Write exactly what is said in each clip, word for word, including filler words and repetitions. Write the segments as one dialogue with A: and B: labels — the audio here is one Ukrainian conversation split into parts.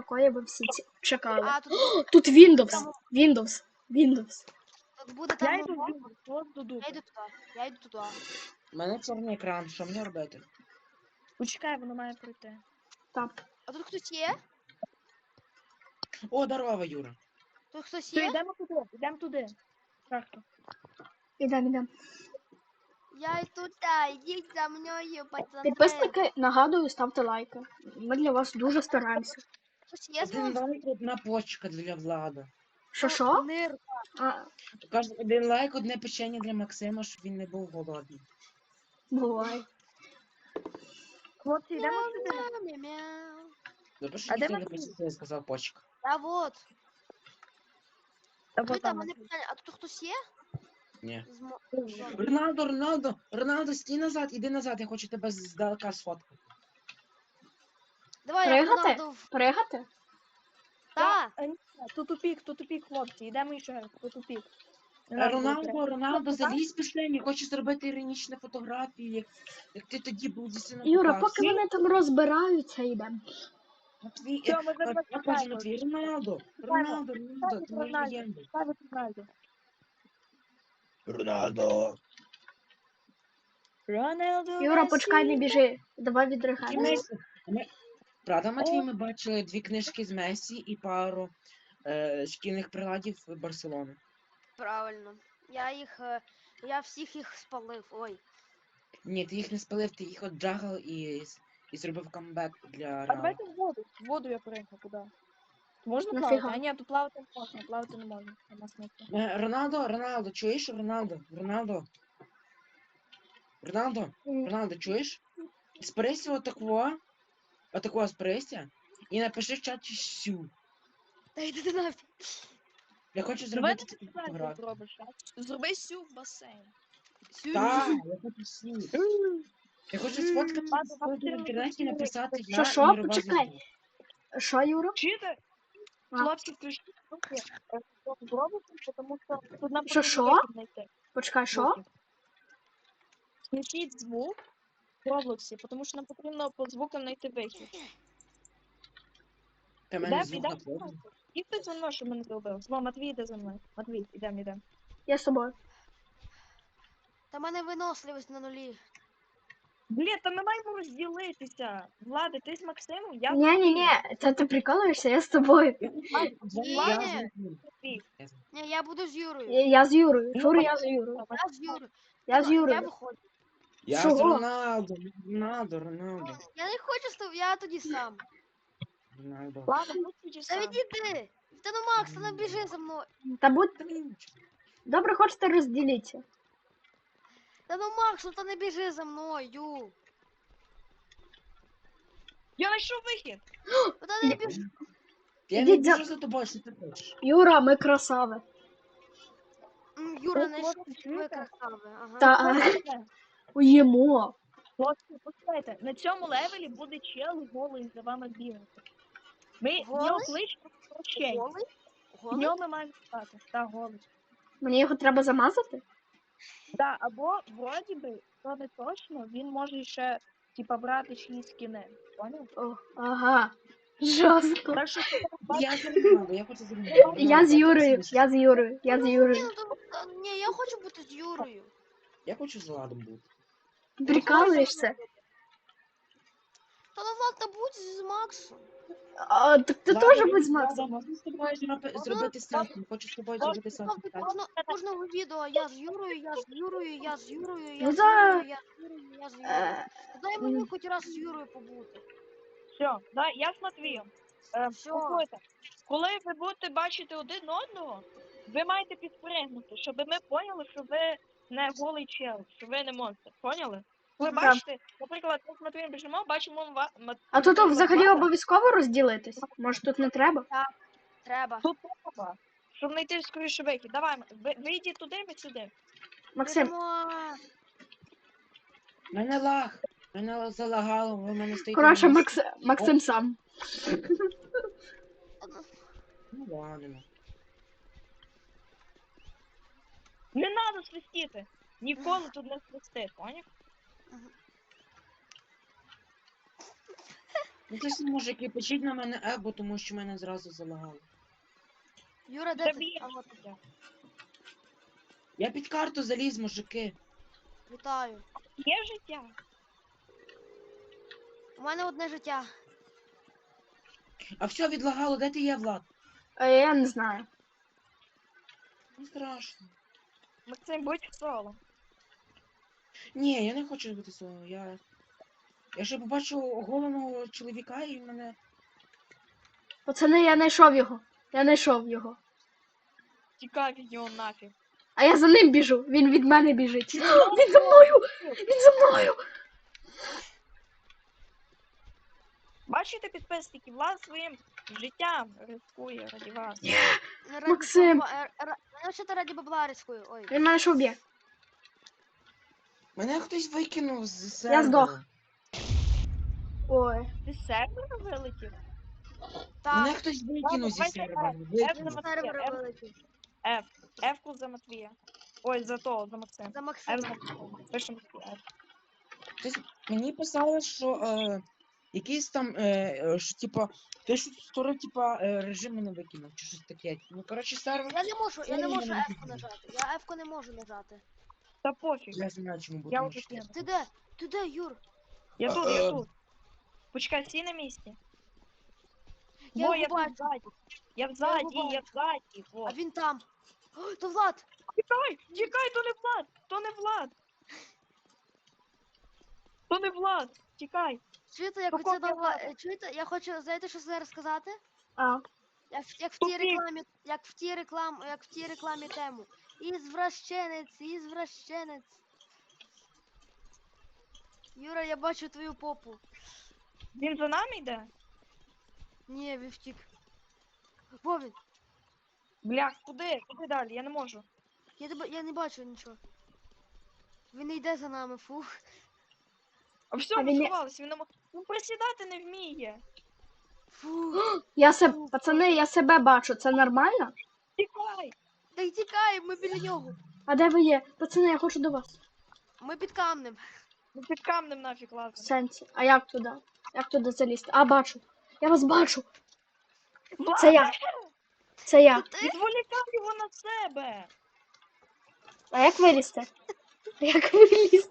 A: якої ви всі ці- чекали.
B: А, тут,
A: О, тут Windows,
B: там-
A: Windows, Windows.
B: тут буде
C: Я
B: там.
C: йду
B: мова.
C: в от до
B: Я
C: дупи.
B: йду туди. Я йду туди.
D: У мене чорний екран, що мені робити?
C: Почекай, воно має пройти.
A: Так.
B: А тут хтось є?
D: О, здорово, Юра.
B: Тут хтось
C: Все,
B: є?
C: йдемо туди, йдемо туди. Шахту.
A: Ідемо, ідемо.
B: Я йду туди, йдіть за мною, пацани.
A: Підписники, нагадую, ставте лайки. Ми для вас дуже стараємося.
B: Хтось є з
D: Один
B: вами?
D: лайк, одна почка для Влада.
A: Що що?
B: Нир.
A: А,
D: Каже, один лайк, одне печення для Максима, щоб він не був голодний.
A: буває.
C: Хлопці, йдемо сюди.
B: Мяу-мяу-мяу.
D: Добре, що
C: А де
D: ніхто не
C: Максим?
D: почув, я сказав почка.
B: Та вот.
C: Та
B: Ви
C: вот
B: там,
C: там.
B: мене питання, а тут хтось є?
D: Ні.
B: З мо-
D: Роналдо, Роналдо, Роналдо, стій назад, іди назад, я хочу тебе здалека сфоткати.
B: Давай, я
A: Пригати?
B: Роналду. в-
A: Пригати?
B: Та.
C: А, ні, Тут тупік, тут тупік, хлопці. Йдемо ще раз, тут тупік. Не
D: А
C: надо було
D: Роналдо, Роналдо, залізь пішли, я хочу зробити іронічні фотографії, як, як ти тоді був зі сином.
A: Юра, поки вони там розбираються, йдемо.
D: Матвій,
C: Все,
D: е,
C: ми вже
D: Мат- я кажу,
C: почекаємо.
D: Матвій, Роналдо, Роналдо, Роналдо, ти моя легенда.
C: Ставити Роналду.
D: Роналдо.
C: Роналду
A: Юра,
C: Месі.
A: почекай, не біжи. Давай
D: Які
A: відригайся.
D: Месі? Ми- Правда, Матвій, ми бачили дві книжки з Месі і пару е, шкільних приладів Барселони.
B: Правильно. Я їх. е, Я всіх їх спалив. Ой.
D: Ні, ти їх не спалив, ти їх отджагав і, і зробив камбек для
C: А
D: Реала.
C: давайте в воду. В воду я пригну, куди? Можна
A: Нафіга?
C: плавати? А ні, тут плавати не можна, плавати не можна. Нема смислу.
D: Е, Роналдо, Роналдо, чуєш? Роналдо, Роналдо. Роналдо,
A: М,
D: Роналдо, чуєш? Сприся отакого, отакого сприся, і напиши в чаті сю.
B: Та йди ти нафіг.
D: Я хочу
C: Давай
D: зробити
C: ти
D: таку
C: правильно
D: фотографію.
C: зробиш, а? Зроби сю в басейн.
D: Так, я хочу сю. Я хочу сфоткати
C: Ладно,
D: сфоткати в інтернеті і написати я
A: Що, що?
D: мірова
A: Почекай.
D: звізда.
A: Що, Юра?
C: Чуєте?
A: А.
C: Хлопці, включіть руки, е, щоб зробити, тому що тут нам
A: Що,
C: потрібно
A: що?
C: вихід знайти.
A: Почекай, що?
C: Звуки. Включіть звук в Роблоксі, тому що нам потрібно по звукам знайти вихід.
D: Та в мене
C: Ідем,
D: звук
C: ідем.
D: на повну.
C: І хтось за мною, щоб мене зробив. Зво, Матвій, йде за мною. Матвій, ідем, ідем.
A: Я з тобою.
B: Та в мене виносливість на нулі.
C: Блін, та ми маємо розділитися. Влади, ти з Максимом, я з
A: Ні, ні, ні, це ти прикалуєшся, я з тобою.
D: Я
B: Ні.
D: я
C: Матвій.
B: Ні, я буду з Юрою.
A: Я, я з Юрою.
C: Ну,
A: Жур, я з Юрою.
B: Я з Юрою.
A: Я з
B: Я
A: Юрою.
B: виходжу.
D: Я з
A: Чого?
D: Роналдо, Роналдо, Роналдо,
B: Я не хочу з тобою, я тоді сам.
D: Роналдо.
C: Ладно, будь
B: Та
C: сам.
B: відійди. Та ну Макс, та не біжи за мною.
A: Та будь
D: Та блін,
A: добре, хочете розділитися.
B: Та ну Макс, ну та не біжи за мною.
C: Я знайшов вихід.
B: Ну та не біжи.
D: Я не
A: Ідіть за-
D: біжу за тобою, що ти хочеш.
A: Юра, ми красави.
B: М, Юра,
C: Ось,
B: не
C: ось,
B: ви
C: чуєте?
B: красаві. Ага.
A: Та уїмо.
C: Хлопці, послухайте, на цьому левелі буде чел голий за вами бігати. Ми в
B: Голий?
C: нього кличемо прощень.
B: Голий?
C: В
B: Голий?
C: нього ми маємо стати. Та голий.
A: Мені його треба замазати?
C: Да, або вроді би, то не точно, він може ще типа брати чиїсь скіни. Поняв?
A: О, ага. Жорстко.
C: Так що
D: Я з Роналдо, я хочу з Роналдо.
A: Я з Юрою, я з Юрою, я з
B: Ні,
A: Юрою.
B: ну, то- та- ні, я хочу бути з Юрою.
D: Я хочу з Владом бути.
A: Прикалуєшся?
B: Та ну Влад, та будь з Максом.
A: А, так ти
D: Влада,
A: теж
D: я
A: будь з
D: з
A: Максом.
D: Владом, можна з тобою зроби- зробити селфі? Хочу з тобою зробити селфі.
B: Ставте кожного, кожного відео, я з Юрою, я з Юрою, я з Юрою, я
A: Ну
B: з
A: да.
B: Юрою, я з Юрою, я з Юрою.
A: Е,
B: Дай мені хоч раз з Юрою побути.
C: все, да, я з Матвієм. Е,
B: Всьо.
C: послухайте, коли ви будете бачити один одного, ви маєте підпригнути, щоб ми поняли, що ви не голий чел, що ви не монстр. Поняли? Ви
A: Так.
C: бачите, наприклад, ми з Матвієм біжимо, бачимо ва- Мат-
A: А тут
C: наприклад,
A: взагалі
C: Влада.
A: обов'язково розділитись? Може тут не треба?
B: Треба.
C: Тут треба, щоб знайти скоріше вихід. Давай, ви, ви йдіть туди, ми сюди.
A: Максим,
B: Біжимо.
D: Мене лаг. Мене залагало, ви мене стоїте.
A: коротше,
D: на
A: Макс... Максим сам.
D: Ну ладно.
C: Не треба свистіти. Ніколи тут не свисти, поняв?
D: Ну це ж мужики, пишіть на мене ебо, тому що мене зразу залагало.
B: Юра, де ти?
C: Заб'єш
B: А, от.
C: тебе.
D: Я під карту заліз, мужики.
B: Вітаю.
C: Є життя.
B: У мене одне життя.
D: А все відлагало, де ти є, Влад?
A: А я не знаю.
D: Не страшно.
C: Максим, будь в соло.
D: Ні, я не хочу бути соло. Я. Я ще побачив оголеного чоловіка і мене.
A: Пацани, я знайшов його. Я знайшов його.
C: Тікай від нього нафіг.
A: А я за ним біжу. Він від мене біжить. Він за мною! Він за мною!
C: Бачите, підписники, Влад своїм життям рискує раді вас.
B: Не раді
A: Максим.
B: бабла- е, ра- Мене ще раді бабла рискую. Ой.
A: Він мене що б'є.
D: Мене хтось викинув з сервера.
A: Я здох. Ой.
C: Ти з сервера вилетів?
D: Мене
B: Так,
D: хтось викинув зі
C: давай,
D: сервера.
C: давай.
D: Викинув.
B: з сервера вилетів.
C: F. F-ку за Матвія. Ой, за того, за Максима.
B: За
C: F
B: Максима.
C: за Максима. Пишемо F.
D: Хтось мені писали, що е, якийсь там, е, е, що типа, ти що створив, типа, е, режим мене викинув, чи щось таке. Ну, коротше, сервер.
B: Я не можу, я не
D: Це
B: можу
D: мене
B: F-ку
D: викинуло.
B: нажати. Я F-ку не можу нажати.
C: Та пофіг.
D: Я знаю, чому бо
C: Я
D: тому
C: вже
D: що-
C: кину.
B: Ти де? Ти де, Юр?
C: Я тут,
D: Е,
C: я тут. Почекай, всі на місці.
B: Я
C: Во,
B: його
C: я тут
B: бачу.
C: ззаді. Я взаді,
B: його
C: я взаді.
B: А
C: Во.
B: він там. О, то Влад!
C: Тікай, тікай, то не Влад, то не Влад. То не Влад, тікай.
B: Чуєте, як
C: Какого
B: оце до Вла-
C: Влада?
B: е, Чуєте, я хочу, знаєте, що зараз сказати?
A: А.
B: Як, в- як в
C: Тупик.
B: тій рекламі, як в тій реклам, як в тій рекламі тему. Ізвращенець, ізвращенець. Юра, я бачу твою попу.
C: Він за нами йде?
B: Ні, він втік. Во він.
C: Блях, куди? Куди далі? Я не можу.
B: Я, тебе, я не бачу нічого. Він не йде за нами, фух.
C: А все,
A: А
C: ми
A: він не-
C: сховалися, він не мо- Він присідати не вміє.
B: Фух.
A: Я себе. Пацани, я себе бачу. Це нормально?
C: Тікай!
B: Та й тікай, ми біля нього.
A: А де ви є? Пацани, я хочу до вас.
B: Ми під камнем.
C: Ну під камнем нафіг
A: В
C: лазимо.
A: сенсі. А як туди? Як туди залізти? А, бачу. Я вас бачу.
C: Влад,
A: Це я. Це я.
C: відволікай його на себе.
A: А як вилізти? А як вилізти?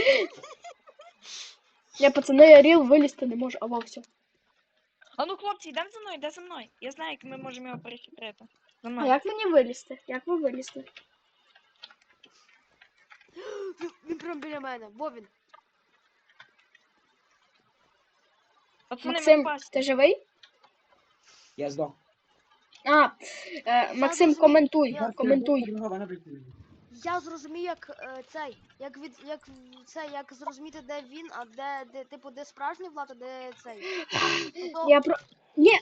A: Я, пацани, я ріл вилізти не можу, або все.
C: А ну, хлопці, йдемо за мною, йде за мною. Я знаю, як ми можемо його перехитрити. За
A: А
C: мною.
A: як мені вилізти? Як ви вилізти?
B: Він, він прямо біля мене. Во він.
C: Пацани, ми
A: Максим,
C: впасти.
A: ти живий?
D: Я здох.
A: А, е, Максим,
B: розумію.
A: коментуй,
B: Я-
A: коментуй.
B: Я зрозумів, як е, цей, як від як в- це, як зрозуміти, де він, а де, де типу, де справжній Влад, а де цей. Ну, то
A: Я про... Ні,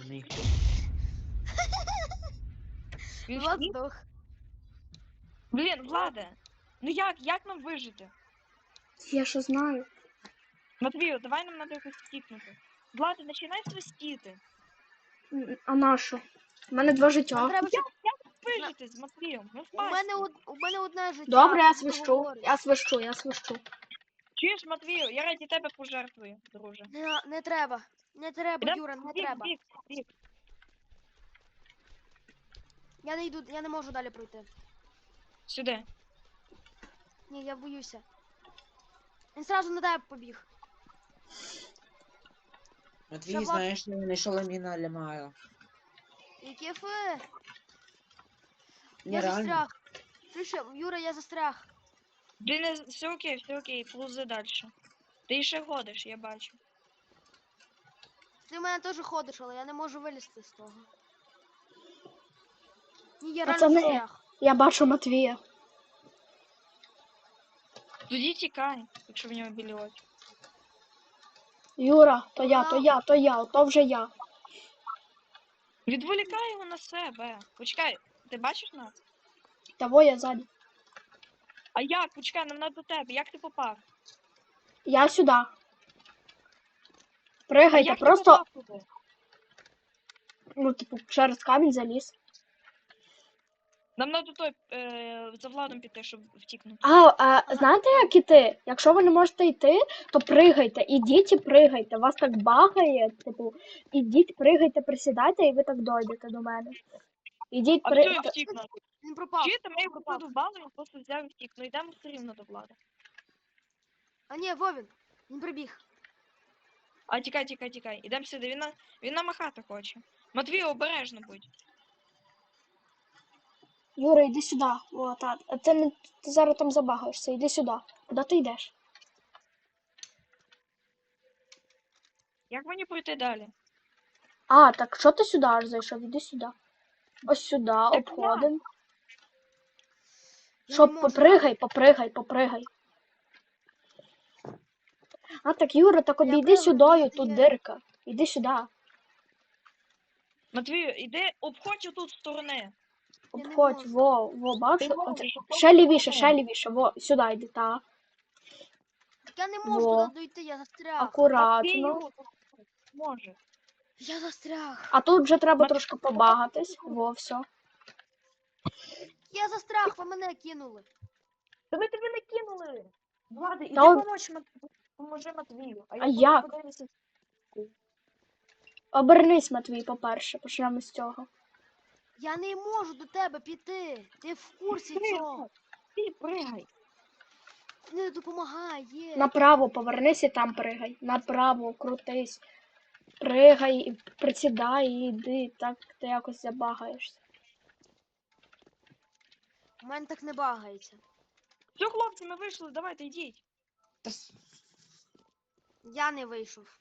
C: Він
B: Влад
C: втік?
B: здох.
C: Блін, Владе, ну як, як нам вижити?
A: я що знаю.
C: Матвію, давай нам треба якось стікнути. Владе, починай свистіти.
A: М, А на що? У мене два
B: Нам
A: життя.
B: треба, щоб...
C: Вижити з Матвієм, ми
B: У
C: впасти.
B: мене од... у мене одне життя.
A: Добре, я
B: ти
A: свищу.
B: говориш.
A: Я свищу, я свищу.
C: Чуєш, Матвію, я раді тебе пожертвую, друже.
B: Не, не треба. Не треба,
C: Ідем
B: Юра, не
C: бік,
B: треба.
C: бік, бік.
B: Я не йду, я не можу далі пройти.
C: Сюди.
B: Ні, я боюся. Він зразу на тебе побіг.
D: Матвій,
B: Влад-
D: знаєш, що я знайшов ламіна Лямая.
B: Які фи?
D: Ні,
B: Я
D: реально.
B: застряг. Слушай, Юра, я застряг.
C: Блін, не- все окей, все окей, плузи далі. Ти ще ходиш, я бачу.
B: Ти в мене теж ходиш, але я не можу вилізти з того. Ні, я реально
A: Пацани.
B: застряг.
A: Я бачу Матвія.
C: Тоді тікай, якщо в нього білі очі.
A: Юра, то я, то я, то я, то вже я.
C: Відволікай його на себе. Почекай, ти бачиш нас?
A: Того я ззаді.
C: А як? Почекай, нам надо до тебе. Як ти попав?
A: Я сюди.
C: А
A: Пригайте,
C: як
A: просто,
C: ти попав туди?
A: ну, типу, через камінь заліз.
C: Нам треба той е, за Владом піти, щоб втікнути.
A: А, а знаєте, як іти? Якщо ви не можете йти, то пригайте. Ідіть і пригайте. Вас так багає, типу, ідіть, пригайте, присідайте, і ви так дойдете до мене. Ідіть,
C: А
A: при...
C: хто
A: та-
C: втікнув?
B: Він пропав.
C: Чуєте, ми його подубали, він просто взяв і втік. Ну йдемо все рівно до Влада.
B: А ні, Вовін. Він прибіг.
C: А тікай, тікай, тікай. Ідемо сюди, він, на... він намахати хоче. Матвій, обережно будь.
A: Юра, йди сюди. О, так. А ти, не... ти зараз там забагаєшся, йди сюди. Куди ти йдеш?
C: Як мені пройти далі?
A: А, так що ти сюди аж зайшов? Іди сюди. Ось сюди, обходимо.
B: Я
A: Що,
B: не можу.
A: попригай, попригай, попригай. А так, Юра, так
B: Я
A: обійди
B: пригаю,
A: сюдою,
B: ти
A: тут
B: є.
A: дирка. Іди сюди.
C: Матвію, іди, обходь отут сторони.
B: Я не
A: Обходь,
B: можу.
A: во, во, бачиш?
C: Ти
A: Оце-
C: можеш,
A: Ще лівіше,
C: обходь.
A: ще лівіше, во, сюди йди, та.
B: Так я не можу
A: Во.
B: туди дойти, я застряг.
A: Акуратно.
C: Матвію, може.
B: Я застряг.
A: А тут вже треба
C: Мат-
A: трошки побагатись. Во, все.
B: Я застряг, ви мене кинули.
C: Та ми тебе не кинули. Влади, іди
A: Та он-
C: помочь Мат... поможи Матвію. А,
A: А
C: я буду
A: як?
C: подивитися.
A: Обернись, Матвій, по-перше, почнемо з цього.
B: Я не можу до тебе піти. Ти в курсі цього.
C: Ти пригай.
B: Не допомагає.
A: Направо повернись і там пригай. Направо, крутись. Пригай, і присідай і йди, так ти якось забагаєшся.
B: У мене так не багається.
C: Все, хлопці, ми вийшли, давайте йдіть.
D: Та с-
B: Я не вийшов.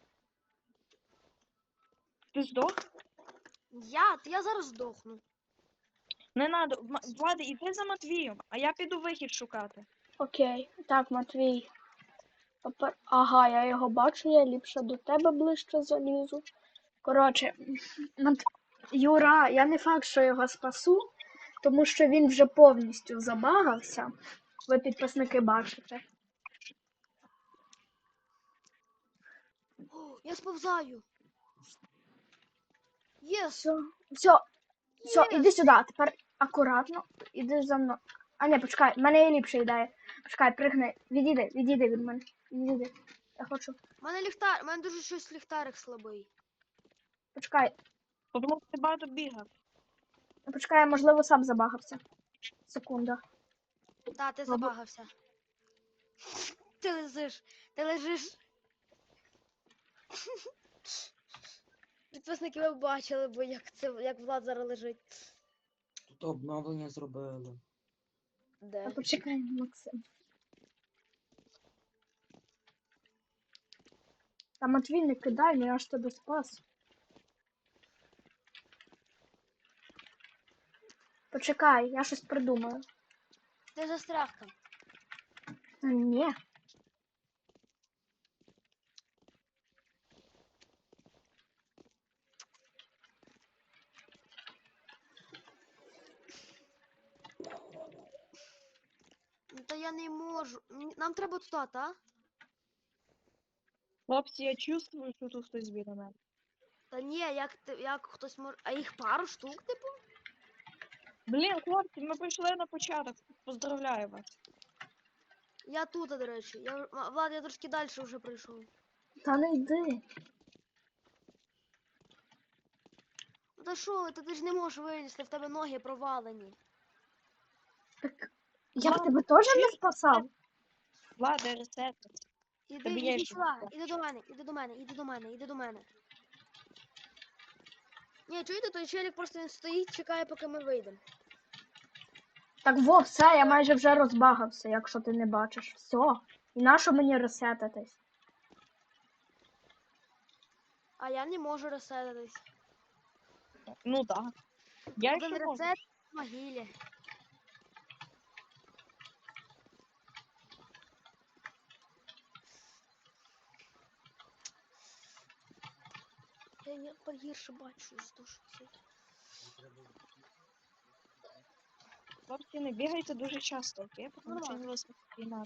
C: Ти здох?
B: Я? Та я зараз здохну.
C: Не надо. М- Влади, іди за Матвієм, а я піду вихід шукати.
A: Окей. Так, Матвій. Попер- Ага, я його бачу, я ліпше до тебе ближче залізу. Коротше, Мат... Юра, я не факт, що його спасу, тому що він вже повністю забагався. Ви підписники бачите.
B: О, я сповзаю. Єс.
A: Все, все, все,
B: Єс.
A: іди сюди, тепер акуратно, іди за мною. А ні, почекай, в мене є ліпша ідея. Почекай, пригни, відійди, відійди від мене. Відійди. Я хочу.
B: У мене ліхтар, у мене дуже щось ліхтарик слабий.
A: Почекай,
C: Тому що ти багато бігав.
A: почекай, я, можливо, сам забагався. Секунда.
B: Та, ти забагався. Ти лежиш. Ти лежиш. Підписники ви бачили, бо як це як Влад зараз лежить.
D: Тут обновлення зробили.
B: Де?
A: А почекай, Максим. Та Матвій, не кидай, ну я ж тебе спас. Почекай, я щось придумаю.
B: Ти застряг там.
A: Та ні.
B: Ну, та я не можу. М, Нам треба туди, та?
C: Хлопці, я чувствую, що тут хтось біля мене.
B: Та ні, як ти, як хтось може. А їх пару штук, типу?
C: Блін, хлопці, ми прийшли на початок. Поздравляю вас.
B: Я тут, до речі. Я, в- М- Влад, я трошки далі вже прийшов.
A: Та не йди.
B: Ну та що, ви, та ти ж не можеш вилізти, в тебе ноги провалені.
A: Так я б
C: Мам,
A: тебе теж не
C: чуєш?
A: спасав.
C: Влада, ресет.
B: Іди,
C: Тобі
B: іди
C: є
B: сюди,
C: що
B: іди до мене, іди до мене, іди до мене, іди до мене. Ні, чуєте, той челік просто він стоїть, чекає, поки ми вийдемо.
A: Так во, все, я майже вже розбагався, якщо ти не бачиш. Все. І нащо мені ресетитись?
B: А я не можу ресетитись.
C: Ну так. Я
B: Один
C: ще можу.
B: ресет в могилі. Я не погірше бачу з душі.
C: Хлопці, не бігайте дуже часто, окей? Тому що
B: Нормально.
C: я вас не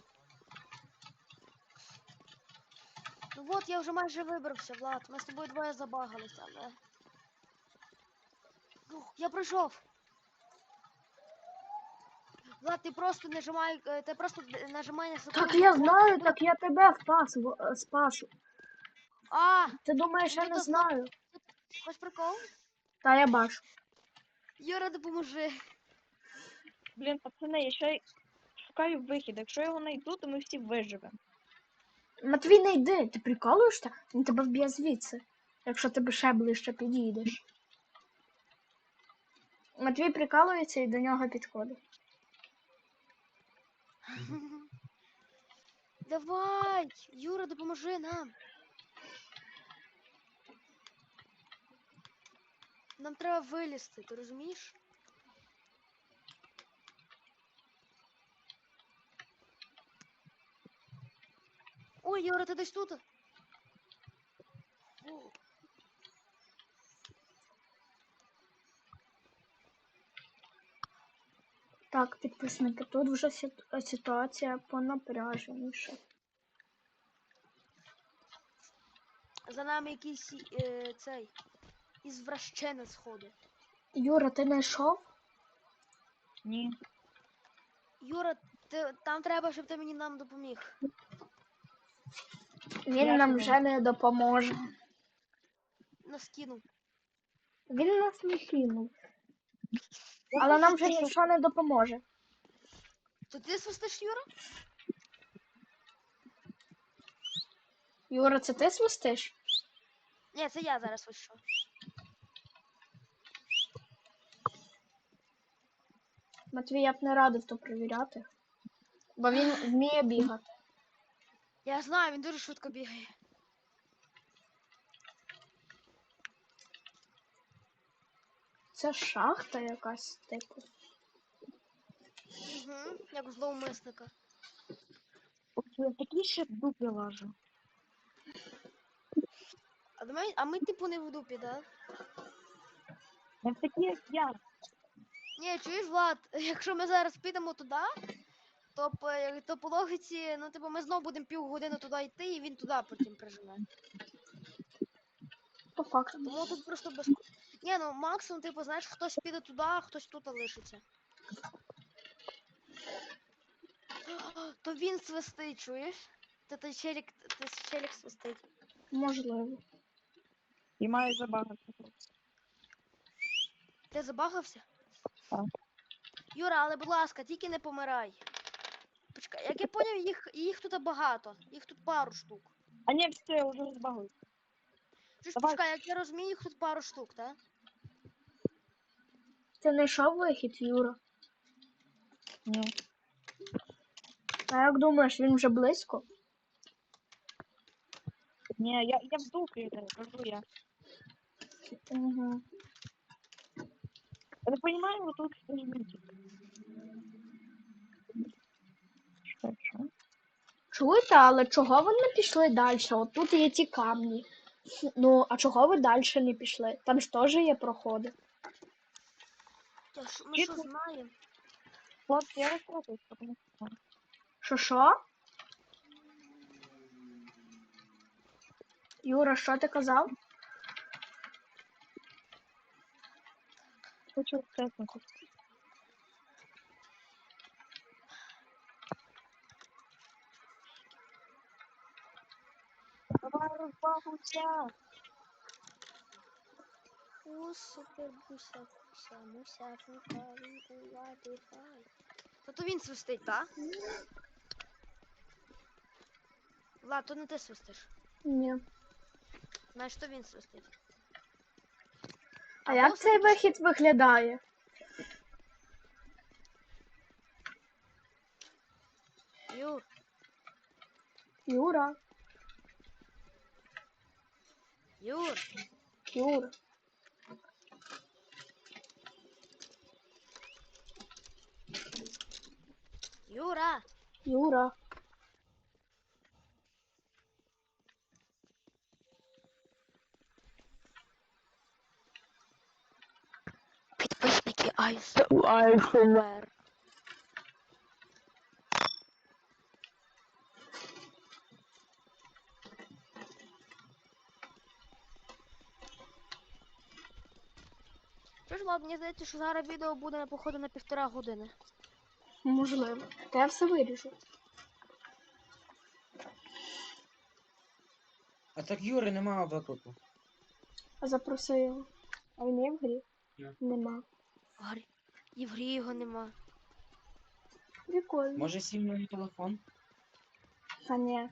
B: Ну от, я вже майже вибрався, Влад. Ми з тобою двоє забагалися, але. Ух, я пройшов. Влад, ти просто нажимай, е, ти просто д- нажимай на секунду.
A: Так я знаю,
B: Ну,
A: так я тебе впас, в- е, спас.
B: А,
A: Ти думаєш, я
B: ну
A: не
B: то зна-
A: знаю?
B: хоч прикол?
A: Та я бачу.
B: Юра, допоможи.
C: Блін, пацани, я ще й шукаю вихід. Якщо я його знайду, то ми всі виживемо.
A: Матвій, не йди, ти приколуєшся? Він тебе вб'є звідси, якщо ти ще ближче підійдеш. Матвій прикалується і до нього підходить.
B: Давай, Юра, допоможи нам. Нам треба вилізти, ти розумієш? Ой, Юра, ти десь тут? О,
A: Так, підписники, тут вже сит- ситуація понапряженіша.
B: за нами якийсь е, цей ізвращенець ходить.
A: Юра, ти знайшов?
C: Ні.
B: Юра, ти, там треба, щоб ти мені нам допоміг.
A: Він
C: Я
A: нам
C: тебе-
A: вже не допоможе.
B: Нас кинув.
A: Він нас не кинув. Але нам вже нічого не допоможе.
B: То ти свистиш, Юра?
A: Юра, це ти свистиш?
B: Ні, це я зараз свищу.
A: Матвій, я б не радив то перевіряти. Бо він вміє бігати.
B: Я знаю, він дуже швидко бігає.
A: Це шахта якась, типу.
B: Угу, як у зловмисника.
C: От я такий ще в дупі лажу.
B: А, до мене, а ми типу не в дупі, да?
C: Не такі, як я.
B: Ні, чуєш, Влад, якщо ми зараз підемо туди, то, по- то по логіці, ну типу, ми знов будемо півгодини туди йти, і він туди потім приживе.
A: По факту.
B: Тому тут просто без. Ні, ну максимум, типу, знаєш, хтось піде туди, а хтось тут лишиться. То він свистить, чуєш? Та той челік, той челік свистить.
A: Можливо.
C: І маю забагати.
B: Ти забагався?
C: Так.
B: Юра, але будь ласка, тільки не помирай. Почекай, як я поняв, їх, їх тут багато. Їх тут пару штук.
C: А ні, все, я вже розбагую.
B: Чуєш,
C: Давай.
B: почекай, як я розумію, їх тут пару штук, так?
A: Ти знайшов вихід, Юра?
C: Ні.
A: А як думаєш, він вже близько?
C: Ні, я, я в дупі, кажу я.
A: Угу.
C: Я не розумію, вот тут стоїть. Що, що?
A: Чуєте, але чого ви не пішли далі? От тут є ті камні. Ну, а чого ви далі не пішли? Там ж теж є проходи.
B: Я ж- Ми що
C: Чітко.
B: знаємо?
C: Хлопці, я розкладуюсь, тому що...
A: Що що? Юра, що ти казав?
C: Хочу чесно. Давай розбагуйся.
B: О, супер буся, буся, муся, фука, вінкувати, фай. То він свистить, так? Влад, то не ти свистиш.
A: Ні.
B: Знаєш, то він свистить.
A: А
B: Або
A: як цей
B: все-таки-
A: вихід виглядає?
B: Юр,
A: Юра,
B: Юр,
A: Юра.
B: Юра.
A: Юра.
B: Підписники Айсовер. Що ж, Влад, мені здається, що зараз відео буде, походу, на півтора години.
A: Можливо. Та я все виріжу.
D: А так Юри немає виклику.
A: А запроси його. А він є в грі?
D: Ні.
A: Нема.
B: Грі... І в грі його нема.
A: Прикольно.
D: Може сів на мій телефон?
A: Та ні.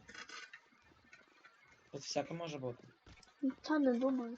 D: Тут всяке може бути.
A: Та не думаю.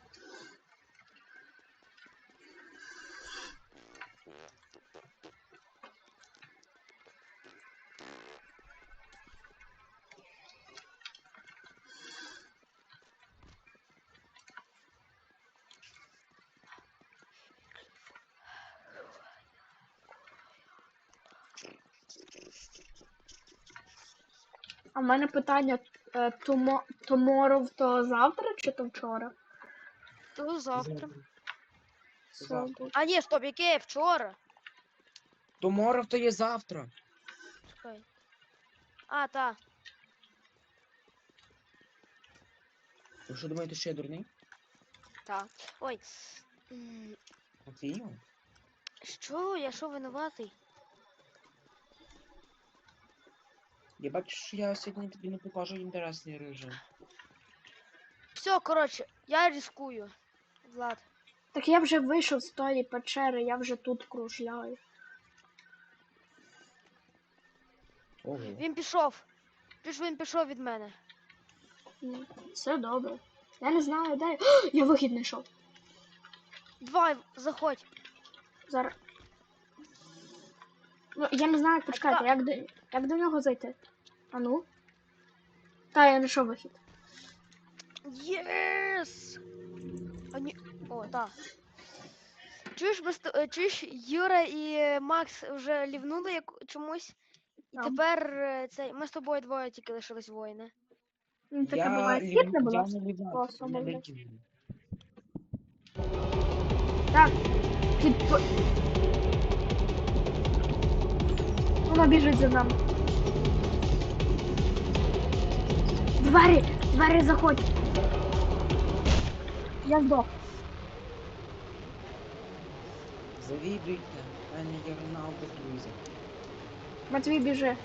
A: А в мене питання, е, томо, tomorrow то завтра чи то вчора?
B: То завтра.
A: Все,
D: Завтра.
A: добре.
B: А ні, стоп, яке вчора?
D: Tomorrow то є завтра.
B: Чекай. А, та.
D: Ви що думаєте, що я дурний?
B: Та. Ой. М,
D: Матвію?
B: Що? Я що винуватий?
D: Я бачу, що я сьогодні тобі не покажу інтересний режим.
B: Все, коротше, я ризикую. Влад.
A: Так я вже вийшов з тої печери, я вже тут кружляю.
D: Ого.
B: Він пішов. Чуєш, він пішов від мене.
A: Ну, все добре. Я не знаю, де. О, я вихід знайшов.
B: Давай, заходь.
A: Зараз. Ну, я не знаю, почекайте, як до, як до нього зайти? А ну? Та, я знайшов вихід.
B: Єс! А ні. О, так. Чуєш, ми з то- е, чуєш, Юра і е, Макс вже лівнули як чомусь. І
A: Там.
B: тепер е, цей, ми з тобою двоє тільки лишились воїни.
A: Ну, таке
D: Я
A: буває.
D: лів-
A: Скіп не було.
D: я не лівав,
A: Класно,
D: не
A: молодець.
D: летів.
A: Так. Під... Воно біжить за нами. Двері! Двері заходь! Я здох.
D: Завідуйте, в мене є Роналдо друзі.
A: Матвій біжи.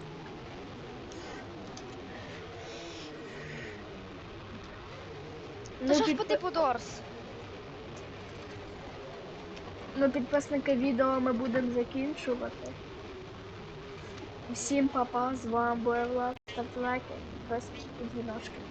B: Та
A: Ну,
B: що ж
A: підпи-
B: по типу Дорс?
A: ну, підписники відео ми будемо закінчувати. Всім па-па, з вами був Влад. Ставте лайки, підписуйтесь і дзвіночки.